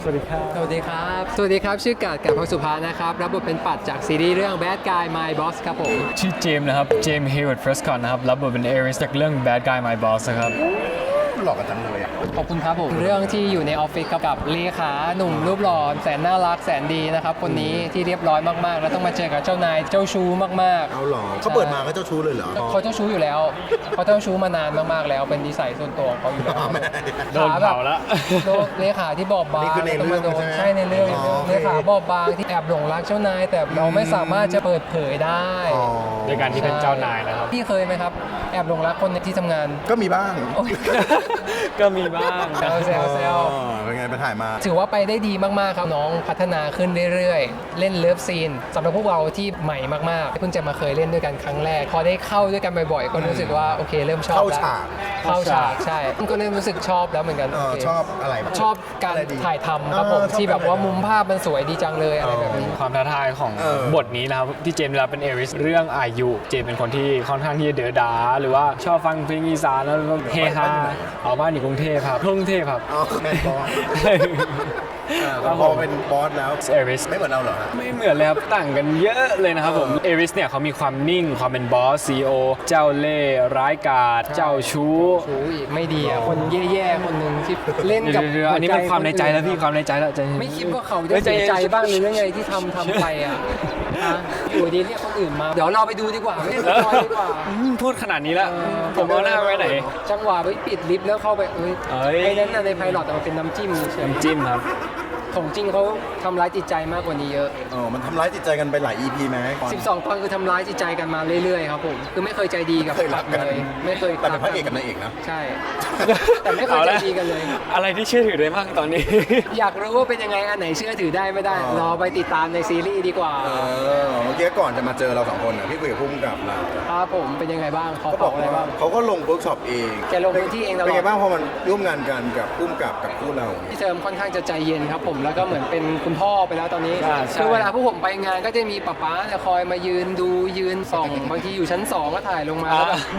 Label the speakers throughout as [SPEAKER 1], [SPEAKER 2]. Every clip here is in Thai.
[SPEAKER 1] สวัสดีครับ
[SPEAKER 2] สวัสดีครับชื่อกาดกับพงสุภานะครับรับบทเป็นปัดจากซีรีส์เรื่อง Bad Guy My Boss ครับผม
[SPEAKER 1] ชื่อเจมส์นะครับเจมส์เฮเวิร์ดเฟรสคอนนะครับรับบทเป็นเอริสจากเรื่อง Bad Guy My Boss นะครับ
[SPEAKER 3] หลอกกันจังเลย
[SPEAKER 2] ขอบคุณครับผมเรื่องที่อยู่ในออฟฟิศกับเลขาหนุ่มรูปหล่อแสนน่ารักแสนดีนะครับคนนี้ที่เรียบร้อยมากๆแล้วต้องมาเจอกับเจ้านายเจ้าชู้มากๆ
[SPEAKER 3] เอาหรอเขาเปิดมาก็เจ้าชู้เลยเหรอ
[SPEAKER 2] เขาเจ้าชู้อยู่แล้วเขาเจ้าชู้มานานมากๆแล้วเป็นนิสัยส่วนตัวของเขาอยู่แล้ว
[SPEAKER 1] โดนเผาแล้ว
[SPEAKER 2] โดนเลขาที่บอบบาง
[SPEAKER 3] นี่คือในเรื่อง
[SPEAKER 2] ต้องมาโดน
[SPEAKER 3] ใช่ไหม
[SPEAKER 2] ใช่ในเรื่อง
[SPEAKER 3] อ๋อ
[SPEAKER 2] เลขาบอบบางที่แอบหลงรักเจ้านายแต่เราไม่สามารถจะเปิดเผยได้
[SPEAKER 3] อ๋อ
[SPEAKER 1] โดยการที่เป็นเจ้านายนะครับ
[SPEAKER 2] พี่เคยไหมครับแอบหลงรักคนในที่ทำงาน
[SPEAKER 3] ก็มีบ้าง
[SPEAKER 2] โอ๊ย
[SPEAKER 1] ก็มีบ้าง
[SPEAKER 2] แซว
[SPEAKER 3] อ๋อเป็นไงไปถ่ายมา
[SPEAKER 2] ถือว่าไปได้ดีมากๆครับน้องพัฒนาขึ้นเรื่อยๆเล่นเลิฟซีนสำหรับพวกเราที่ใหม่มากๆเพิ่งจะมาเคยเล่นด้วยกันครั้งแรกพอได้เข้าด้วยกันบ่อยๆก็รู้สึกว่าโอเคเริ่มชอบ
[SPEAKER 3] เข้า
[SPEAKER 2] แล้ว
[SPEAKER 3] ฉาก
[SPEAKER 2] เข้าฉากใช่ก็เริ่มรู้สึกชอบแล้วเหมือนกันโอเค
[SPEAKER 3] ชอบอะไรบ้าง
[SPEAKER 2] ชอบการ
[SPEAKER 3] อะไรดี
[SPEAKER 2] ถ่ายทำครับผม
[SPEAKER 3] ชอบ
[SPEAKER 2] ที่แบบว่า
[SPEAKER 3] อะไร
[SPEAKER 2] มุมภาพมันสวยดีจังเลยอะไรแบบนี้
[SPEAKER 1] ความท้าทายของ
[SPEAKER 3] เออ
[SPEAKER 1] บทนี้นะครับที่เจมส์ได้รับเป็นเอริสเรื่องอายุเจมส์เป็นคนที่ค่อนข้างที่จะเดือดาหรือว่าชอบฟังเพลงอีสานแล้วก็เฮฮาเอาบ้านอยู่กรุงเทพครับกรุงเทพครับ
[SPEAKER 3] อ๋อแมนบอส
[SPEAKER 1] ครับ
[SPEAKER 3] พ
[SPEAKER 1] ผ
[SPEAKER 3] อ
[SPEAKER 1] ม
[SPEAKER 3] เป็นบอสแล้ว
[SPEAKER 1] เอริส
[SPEAKER 3] ไม่เหมือนเราเหรอฮะ
[SPEAKER 1] ไม่เหมือนเลยครับต่างกันเยอะเลยนะครับผมเอริสเนี่ยเขามีความนิ่งความเป็นบอสซีโอเจ้าเล่ห์ร้ายกาจเจ้าชู้
[SPEAKER 2] ชูอีกไม่ดีอ่ะคนแย่ๆคนหนึ่งที่เล่นกับ
[SPEAKER 1] เดี๋ยวๆอันนี้เป็นความในใจแล้วพี่ความในใจแล้วใจเย็น
[SPEAKER 2] ไม่คิดว่าเขาจะเสียใจบ้างหรือยังไงที่ทำไปอ่ะฮะอยู่ดีเรียกคนอื่นมาเดี๋ยวเราไปดูดีกว่าไม่สปอยดีกว่า
[SPEAKER 1] พูดขนาดนี้แล้วผมเอาหน้าไว้ไหน
[SPEAKER 2] จังหวะไปปิดลิฟต์แล้วเข้าไปเอ้ย
[SPEAKER 1] เอ้ย
[SPEAKER 2] ไอ้นั้นน่ะในไพลอตแต่มันเป็นน้ำจิ้มเฉย
[SPEAKER 1] น้ำจิ้มครับ
[SPEAKER 2] ของจริงเขาทำร้ายจิตใจมากกว่านี้เยอะ
[SPEAKER 3] อ๋อมันทำร้ายจิตใจกันไปหลาย EP ไหม
[SPEAKER 2] 12 ตอนคือทำร้ายจิตใจกันมาเรื่อยๆครับผมคือไม่เคยใจดีกับ
[SPEAKER 3] เคยรักกัน
[SPEAKER 2] เลยไม่เคย
[SPEAKER 3] แต่เป็นพระเอกกับนางเอกนะ
[SPEAKER 2] ใช่ แต่ไม่เคยใจดีกันเลย
[SPEAKER 1] อะไรที่เชื่อถือได้บ้างตอนนี้
[SPEAKER 2] อยากรู้ว่าเป็นยังไงอันไหนเชื่อถือได้ไม่ได้
[SPEAKER 3] อ๋อ
[SPEAKER 2] รอไปติดตามในซีรีส์ดีกว่า
[SPEAKER 3] เมื่อกี้ก่อนจะมาเจอเราสองคนน่ะพี่คุยกับพุ่มกับเรา
[SPEAKER 2] ครับผมเป็นยังไงบ้างเขา
[SPEAKER 3] เขา
[SPEAKER 2] บบ อ
[SPEAKER 3] อก ก
[SPEAKER 2] อะไร
[SPEAKER 3] ว่า
[SPEAKER 2] บ้าง
[SPEAKER 3] เขาก็ลงเวิร์กช็อปเอง
[SPEAKER 2] แกลงพื้นที่เองตลอด
[SPEAKER 3] เป็นไงบ้างพอมันร่วมงานกันกับพุ่มกับคู่เรา
[SPEAKER 2] พี่เทอมค่อนข้างจะใจเย็นครับผมแล้วก็เหมือนเป็นคุณพ่อไปแล้วตอนนี้
[SPEAKER 1] ใช่
[SPEAKER 2] คือเวลาพวกผมไปงานก็จะมีป๊าจะคอยมายืนดูยืนส่องบางทีอยู่ชั้น 2 ก็ถ่ายลงมาแล้วแบบ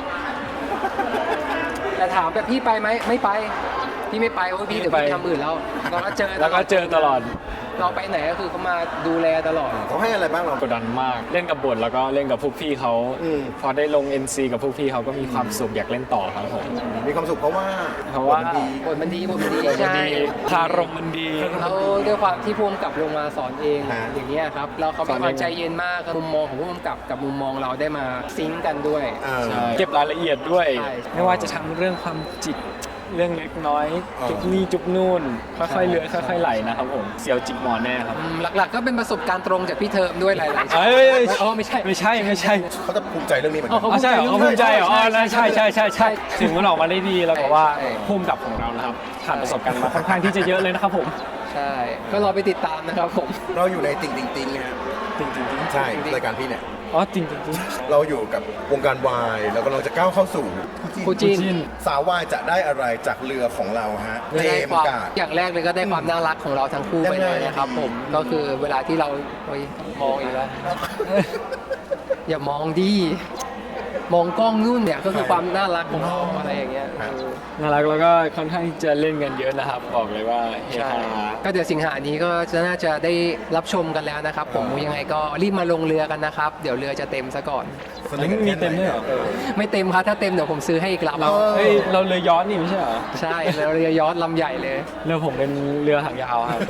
[SPEAKER 2] แต่ถามแบบพี่ไปไหมไม่ไปพี่ไม่ไปโอ้ยพี่เดี๋ยวพี่ทำอื่นแล้วเราก็เจอ
[SPEAKER 1] แล้วก็เจอตลอด
[SPEAKER 2] เราไปไหนก็คือเขามาดูแลตลอด
[SPEAKER 3] เขาให้อะไรบ้างเรา
[SPEAKER 1] กดดันมากเล่นกับบทแล้วก็เล่นกับพวกพี่เขา
[SPEAKER 3] อืม
[SPEAKER 1] พอได้ลง NC กับพวกพี่เขาก็มีความสุขอยากเล่นต่อครับผม
[SPEAKER 3] มีความสุขเพราะว่า
[SPEAKER 1] เพราะว่า
[SPEAKER 3] บทมันดี
[SPEAKER 2] บทมันดี
[SPEAKER 1] มัน
[SPEAKER 2] ใช่
[SPEAKER 1] ดีคารมมันดี
[SPEAKER 2] เราด้วยความที่ภูมิกับลงมาสอนเอง
[SPEAKER 3] ฮะ
[SPEAKER 2] อย่างเงี้ยครับแล้วเขามีความใจเย็นมากมุมมองของภูมิกับกับมุมมองเราได้มาซิงก์กันด้วย
[SPEAKER 3] เออ
[SPEAKER 1] ใช่เก็บรายละเอียดด้วย
[SPEAKER 2] ใช่
[SPEAKER 1] ไม่ว่าจะทั้งเรื่องความจิตเรื่องเล็กน้อย
[SPEAKER 3] อ๋อ
[SPEAKER 1] จุบนี่จุบนู่นค่อยๆเลื้อยค่อยๆไหลนะครับผมเสียวจิกหมอนแน่ครับ
[SPEAKER 2] หลักๆก็เป็นประสบการณ์ตรงจากพี่เทอมด้วยหลายๆ
[SPEAKER 1] เอ้ย
[SPEAKER 2] อ๋อไม่ใช่
[SPEAKER 1] ไม่ใช่
[SPEAKER 3] เขาจะภูมิใจเรื่องนี้เหมือน
[SPEAKER 2] อ๋
[SPEAKER 3] กั
[SPEAKER 2] อ
[SPEAKER 3] น
[SPEAKER 2] เขา
[SPEAKER 1] ใช่เหรอเขาภูมิใจเหรออ๋อ
[SPEAKER 2] ใช่
[SPEAKER 1] ใช่ถึงมันออกมาได้ดีแล้วก็ว่า
[SPEAKER 2] ใช่
[SPEAKER 1] ภูมิกับของเรานะครับผ่านประสบการณ์มาค่อนข้างที่จะเยอะเลยนะครับผม
[SPEAKER 2] ใช่ก็รอไปติดตามนะครับผม
[SPEAKER 3] เราอยู่ในติ่งติ่งติ่งนะฮะ
[SPEAKER 1] จริงจริง
[SPEAKER 3] ใช่รายการพี่เนี่ย
[SPEAKER 1] อ๋อจริงจริง
[SPEAKER 3] เราอยู่กับวงการวายแล้วก็เราจะก้าวเข้าสู่
[SPEAKER 2] คู่จิ้น
[SPEAKER 3] สาววายจะได้อะไรจากเรือของเราฮะเจ
[SPEAKER 2] ได้
[SPEAKER 3] ม
[SPEAKER 2] ความ
[SPEAKER 3] ส์กาด
[SPEAKER 2] อย่างแรกเลยก็ได้ความน่ารักของเราทั้งคู่ไปเลยนะครับผมก็คือเวลาที่เราโอ๊ยมองอีกแล้ว อย่ามองดิมองกล้องนู่นเนี่ยก็คือความน่ารักของเราอะไรอย่างเงี้ย
[SPEAKER 1] น่ารักแล้วก็ค่อนข้างที่จะเล่นกันเยอะนะครับ บอกเลยว่าเฮ
[SPEAKER 2] ใช่
[SPEAKER 1] ฮา
[SPEAKER 2] ก็เดี๋ยวสิงหานี้ก็จะน่าจะได้รับชมกันแล้วนะครับ ผมยังไงก็รีบมาลงเรือกันนะครับ เดี๋ยวเรือจะเต็มซะก่อน
[SPEAKER 3] สนิทกัน
[SPEAKER 1] มี
[SPEAKER 3] แค่ไหน
[SPEAKER 1] เต็มด้วยเหรอ
[SPEAKER 2] ไม่เต็มครับถ้าเต็มเดี๋ยวผมซื้อให้อีกลำ
[SPEAKER 1] เราเฮ้ยเราเรือย้อนนี่ไม่ใช่เหรอ
[SPEAKER 2] ใช่แล้วเรือยอชต์ลำใหญ่เลย
[SPEAKER 1] เรือผมเป็นเรือหางยาวครับ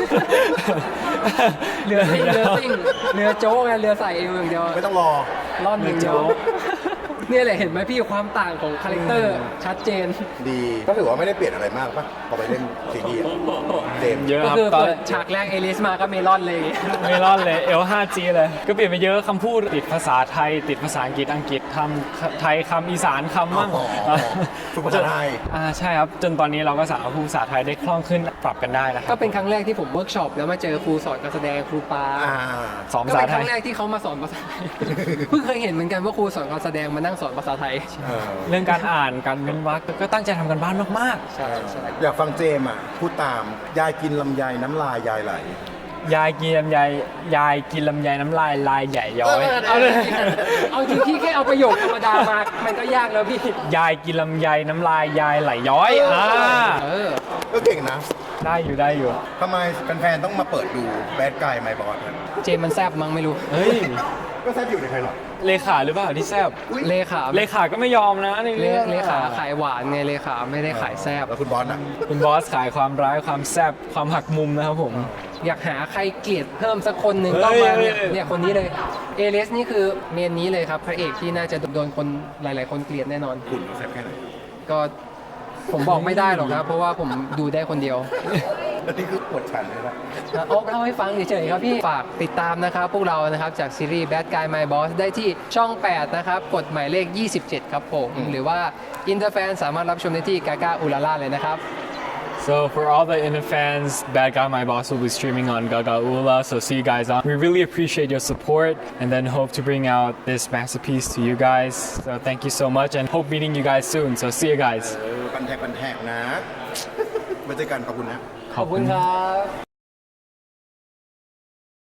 [SPEAKER 2] เรือซิ่งเรือซิ่งเรือโจ๊กไงเรือใส่เอวอย่างเดียว
[SPEAKER 3] ไม่ต้องรอ
[SPEAKER 2] ร่อนอย่างเดียว
[SPEAKER 1] เรือโจ๊ก
[SPEAKER 2] เนี่ยแหละเห็นไหมพี่ความต่างของคาแรคเตอร์ชัดเจน
[SPEAKER 3] ดีก็ถือว่าไม่ได้เปลี่ยนอะไรมากป่ะพอไปเล่นซีรีส์อะเจมส์
[SPEAKER 1] เยอะ
[SPEAKER 2] ก็
[SPEAKER 1] ครับ
[SPEAKER 2] คือ
[SPEAKER 1] ตอน
[SPEAKER 2] เปิดฉากแรกเอลิสมาก็เมลอนเลย
[SPEAKER 1] ไม่รอดเลย L5G เลย ก็เปลี่ยนไปเยอะคำพูดติดภาษาไทย ติดภาษาอังกฤษคำไทยคำอีสานคำมั่ง
[SPEAKER 3] ฝึกภาษาไทย
[SPEAKER 1] ใช่ครับ จนตอนนี้เราก็สามารถพูดภาษาไทยได้คล่องขึ้นปรับกันได้นะค
[SPEAKER 2] ก็
[SPEAKER 1] รับ
[SPEAKER 2] เป็นครั้งแรกที่ผมเวิร์กช็อปแล้วมาเจอครูสอนการแสดงครูปา
[SPEAKER 1] สอง
[SPEAKER 2] ก็
[SPEAKER 1] ภาษา
[SPEAKER 2] เป็น
[SPEAKER 1] ไท
[SPEAKER 2] ครั้
[SPEAKER 1] ย
[SPEAKER 2] งแรกที่เขามาสอนภาษาไทย เพิ่งเคยเห็นเหมือนกันว่าครูสอนการแสดงมานั่งสอนภาษาไทย
[SPEAKER 1] เรื่องการอ่านการเว้นวรรคก็ตั้งใจทำกันบ้านมาก
[SPEAKER 2] ใช่ใช่
[SPEAKER 3] อยากฟังเจมส์อ่ะพูดตามยายกินลำไยน้ำลายยายไหล
[SPEAKER 1] ๆ ยายกินลำไยน้ำลายลายใหญ่ย้อย
[SPEAKER 2] เอาเลยเอาจริงพี่แค่เอาประโยคธรรมดามา มันก็ยากแล้วพี่
[SPEAKER 1] ยายกินลำไยน้ำลายยายไหลย้อย
[SPEAKER 2] เออ
[SPEAKER 3] ก็เก่งนะ
[SPEAKER 1] ได้อยู่
[SPEAKER 3] ทำไมแฟนๆต้องมาเปิดดูแบดกายไมบอส
[SPEAKER 2] เจมมันแซบมั้งไม่รู้
[SPEAKER 1] เฮ้ย
[SPEAKER 3] ก็แซ่บอยู่ในไพลอต
[SPEAKER 1] เลขาหรือเปล่าที่แซบ
[SPEAKER 2] เลขา
[SPEAKER 1] เลขาก็ไม่ยอมนะในเรื่อง
[SPEAKER 2] เลขาขายหวานไงเลขาไม่ได้ขายแซบ
[SPEAKER 3] แล้วคุณบอสอ่ะ
[SPEAKER 1] คุณบอสขายความร้ายความแซบความหักมุมนะครับผม
[SPEAKER 2] อยากหาใครเกลียดเพิ่มสักคนหนึ่งก็มาเนี่ยคนนี้เลยเอเลสนี่คือเมนนี้เลยครับพระเอกที่น่าจะโดนคนหลาย ๆ คนเกลียดแน่นอน
[SPEAKER 3] คุณแซ่บแค่ไหน
[SPEAKER 2] ก็ผมบอกไม่ได้หรอกครับ เพราะว่าผมดูได้คนเดียว
[SPEAKER 3] แล้วนี่คือปวดฉันเลยนะ
[SPEAKER 2] โอ๊กเล่าให้ฟังเฉยๆครับพี่ ฝากติดตามนะครับ พวกเรานะครับจากซีรีส์ Bad Guy My Boss ได้ที่ช่อง 8 นะครับ กดหมายเลข 27 ครับผม หรือว่าอินเตอร์แฟนสามารถรับชมได้ที่กากาอุลาล่าเลยนะครับ
[SPEAKER 1] So for all the Inner fans, Bad Guy My Boss will be streaming on Gaga Ula. So see you guys on. We really appreciate your support and then hope to bring out this masterpiece to you guys. So thank you so much and hope meeting you guys soon. So see you guys.
[SPEAKER 3] ปันแทกนะ มาเจอกันขอบคุณนะ
[SPEAKER 2] ขอบคุณครับ